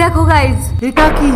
দেখো গাইজ, এটা কি?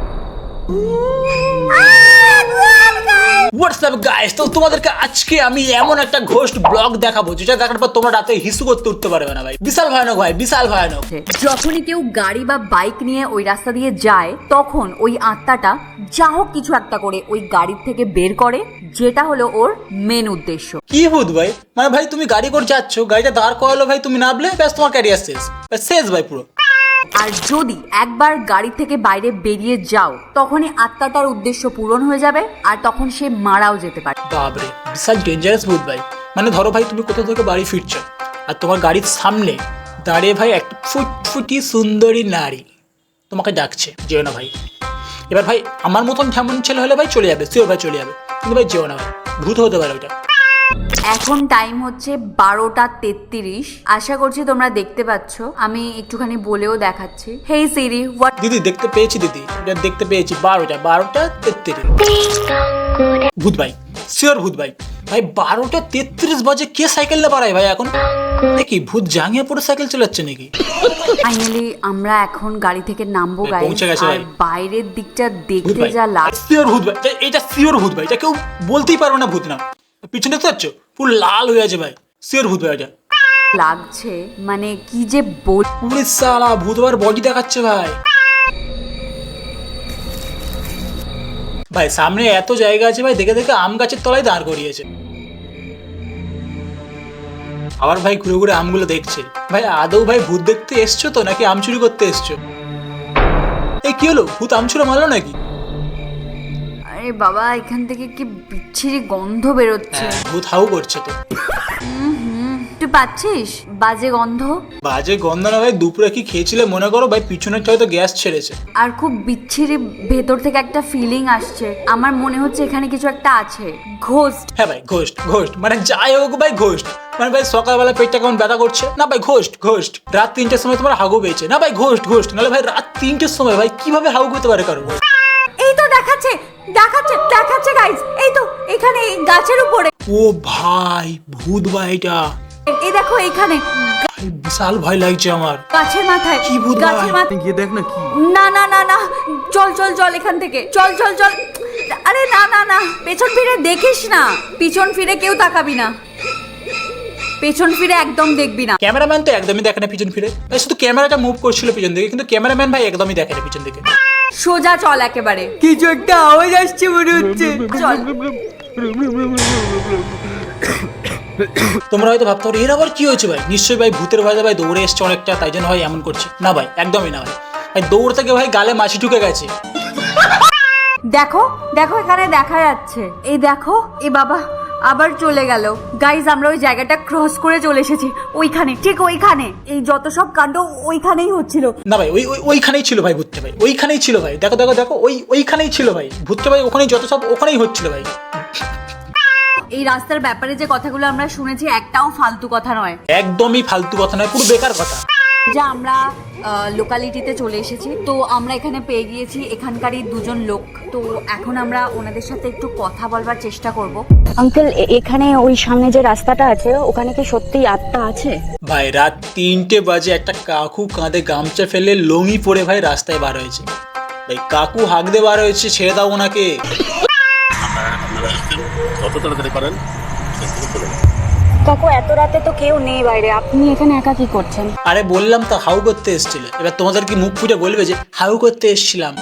হোয়াটসঅ্যাপ গাইস, তো তোমাদেরকে আজকে আমি এমন একটা ঘোস্ট ব্লগ দেখাবো যেটা দেখার পর তোমরা রাতে হিসু করতে উঠতে পারবে না ভাই। বিশাল ভয়ানক ভাই, বিশাল ভয়ানক। যখনই কেউ গাড়ি বা বাইক নিয়ে ওই রাস্তা দিয়ে যায় তখন ওই আত্মাটা যা হোক কিছু একটা করে ওই গাড়ির থেকে বের করে, যেটা হলো ওর মেন উদ্দেশ্য। কি ভূত ভাই? মানে ভাই তুমি গাড়ি করে যাচ্ছ, গাড়িটা দাঁড় করালো ভাই, তুমি নামলে ব্যাস তোমার ক্যারিয়ার শেষ, শেষ ভাই পুরো। আর যদি একবার গাড়ি থেকে বাইরে বেরিয়ে যাও তখনই আত্মাটার উদ্দেশ্য পূরণ হয়ে যাবে আর তখন সে মারাও যেতে পারে। বাপরে, বিশাল ডেঞ্জারাস ভূত ভাই। মানে ধরো ভাই তুমি কোথা থেকে বাড়ি ফিরছো আর তোমার গাড়ির সামনে দাঁড়িয়ে ভাই একটা ফুটফুটি সুন্দরী নারী তোমাকে ডাকছে, যেও না ভাই। এবার ভাই আমার মতন যেমন ছেলে হলে ভাই চলে যাবে, শিওর ভাই চলে যাবে, কিন্তু ভাই যেও না ভাই, ভূত হতে পারে ওইটা। এখন টাইম হচ্ছে 12:33। আশা করছি তোমরা দেখতে পাচ্ছ, আমি একটুখানি বলেও দেখাচ্ছি। Hey Siri, what? দিদি দেখতে পেয়েছি, দিদি এটা দেখতে পেয়েছি, 12:33। ভূত ভাই, শিওর ভূত ভাই। ভাই 12:33 বাজে কে সাইকেল না বাড়ায় ভাই এখন? নাকি ভূত জাঙ্গিয়ে পড়ে সাইকেল চালাচ্ছে নাকি? ফাইনালি আমরা এখন গাড়ি থেকে নামবো গাইস, পৌঁছে গেছে আর ভাই। বাইরের দিকটা দেখতে যা শিওর ভূত ভাই, এটা শিওর ভূত ভাই, এটা কেউ বলতেই পারবে না ভূত না। পিছনে তো যাচ্ছ পুরো লাল হয়ে আছে ভাই, শিওর ভূত ভাই এটা। লাগছে, মানে কি যে বল। পুরো সালা ভূত ভাইয়ের বডি দেখাচ্ছে ভাই। ভাই সামনে এত জায়গা আছে ভাই, দেখে দেখে আম গাছের তলায় দাঁড় করিয়েছে। আবার ভাই ঘুরে ঘুরে আমগুলো দেখছে। ভাই আদৌ ভাই ভূত দেখতে এসছো তো নাকি আম চুরি করতে এসছো? এই কি হলো, ভূত আম চুরি মারলো নাকি? আরে বাবা, এখান থেকে কি বিচ্ছিরি গন্ধ বেরোচ্ছে। ভূত হাউ করছে তো। তুই পাচ্ছিস বাজে গন্ধ? বাজে গন্ধ না ভাই, দুপুরে কি খেয়েছিলে মনে করো ভাই, পিছনের হয়তো গ্যাস ছেড়েছে। আর খুব বিচ্ছিরি ভেতর থেকে একটা ফিলিং আসছে, আমার মনে হচ্ছে এখানে কিছু একটা আছে। ঘোস্ট। হ্যাঁ ভাই ঘোস্ট, ঘোস্ট মানে যাই হোক ভাই ঘোস্ট। মানে ভাই সকালবেলা পেটটা কেমন ব্যথা করছে না ভাই, ঘোস্ট ঘোস্ট। রাত 3টের সময় তোমার হাগু পেয়েছে না ভাই, ঘোস্ট ঘোস্ট। নাহলে ভাই রাত 3টের সময় ভাই কিভাবে হাগু পেতে পারে কারো? এই তো দেখাচ্ছে দেখাচ্ছে দেখাচ্ছে গাইস, এই তো এখানে এই গাছের উপরে। ও ভাই ভূত ভাই এটা। এই দেখো এখানে ভাই বিশাল ভয় লাগছে আমার। গাছের মাথায়। কি ভূত ভাই? গাছের মাথায়। গিয়ে দেখ না কি। না না না না, চল চল চল এখান থেকে, চল চল চল। আরে না না না, পেছন ফিরে দেখিস না, পিছন ফিরে কেউ তাকাবি না, পেছন ফিরে একদম দেখবি না। ক্যামেরাম্যান তো একদমই দেখে না পিছন ফিরে ভাই, শুধু ক্যামেরাটা মুভ করছিল পিছন দিকে, কিন্তু ক্যামেরাম্যান ভাই একদমই দেখে না পিছন দিকে। সোজা চল একেবারে। কিছু একটা আওয়াজ আসছে মনে হচ্ছে। চল। তোমরা হয়তো ভাবতে পারো এর আবার কি হয়েছে ভাই, নিশ্চয়ই ভাই ভূতের ভয়ে ভাই দৌড়ে এসছে অনেকটা, তাই জন্য ভাই এমন করছে। না ভাই একদমই না ভাই, ভাই দৌড় থেকে ভাই গালে মাছি ঢুকে গেছে। দেখো দেখো এখানে দেখা যাচ্ছে, এই দেখো, এ বাবা আবার চলে গেল। গাইজ আমরা ওই জায়গাটা ক্রস করে চলে এসেছি, ওইখানে, ঠিক ওইখানে। এই যত সব কাণ্ড ওইখানেই হচ্ছিল। না ভাই ওইখানেই ছিল ভাই ভূতটা ভাই, ওইখানেই ছিল ভাই। দেখো দেখো দেখো, ওইখানেই ছিল ভাই ভূতটা ভাই, ওখানেই যত সব ওখানেই হচ্ছিল ভাই। এই রাস্তার ব্যাপারে যে কথাগুলো আমরা শুনেছি একটাও ফালতু কথা নয়, একদমই ফালতু কথা নয়, পুরো বেকার কথা। যা আমরা লোকালিটিতে চলে এসেছি, তো আমরা এখানে পেয়ে গিয়েছি এখানকারই দুজন লোক। তো এখন আমরা ওনাদের সাথে একটু কথা বলবার চেষ্টা করব। আঙ্কেল, এখানে ওই সামনে যে রাস্তাটা আছে ওখানে কি সত্যিই আত্মা আছে? ভাই রাত 3টে বাজে একটা কাকু কাঁধে গামছা ফেলে লঙি পরে ভাই রাস্তায় বার হয়েছে। ভাই কাকু হাঁক দিয়ে বার হয়েছে, ছেড়ে দাও ওনাকে। যত তাড়াতাড়ি পারেন। কাকু, এত রাতে তো কেউ নেই বাইরে, আপনি এখানে একা কি করছেন? আরে বললাম তো হাউ করতে এসেছিল, এবার তোমাদের কি মুখ ফুটে বলবে যে হাউ করতে এসেছিলাম?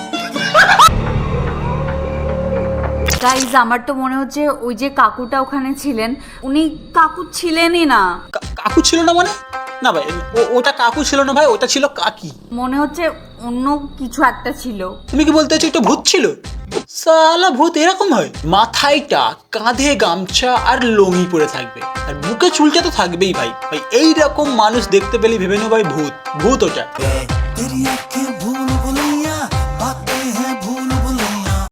গাইজ আমার তো মনে হচ্ছে ওই যে কাকুটা ওখানে ছিলেন, উনি কাকু ছিলেনই না। কাকু ছিল না মানে? না ভাই ওটা কাকু ছিল না ভাই, ওটা ছিল কাকি। মনে হচ্ছে অন্য কিছু একটা ছিল। তুমি কি বলতে চাইছো একটা ভূত ছিল? সালা ভূত এরকম হয়, মাথায় টাক, কাঁধে গামছা আর লঙি পরে থাকবে, আর বুকে চুলটা তো থাকবেই ভাই। ভাই এইরকম মানুষ দেখতে পেলে ভেবে নেও ভাই ভূত, ভূত ওটা।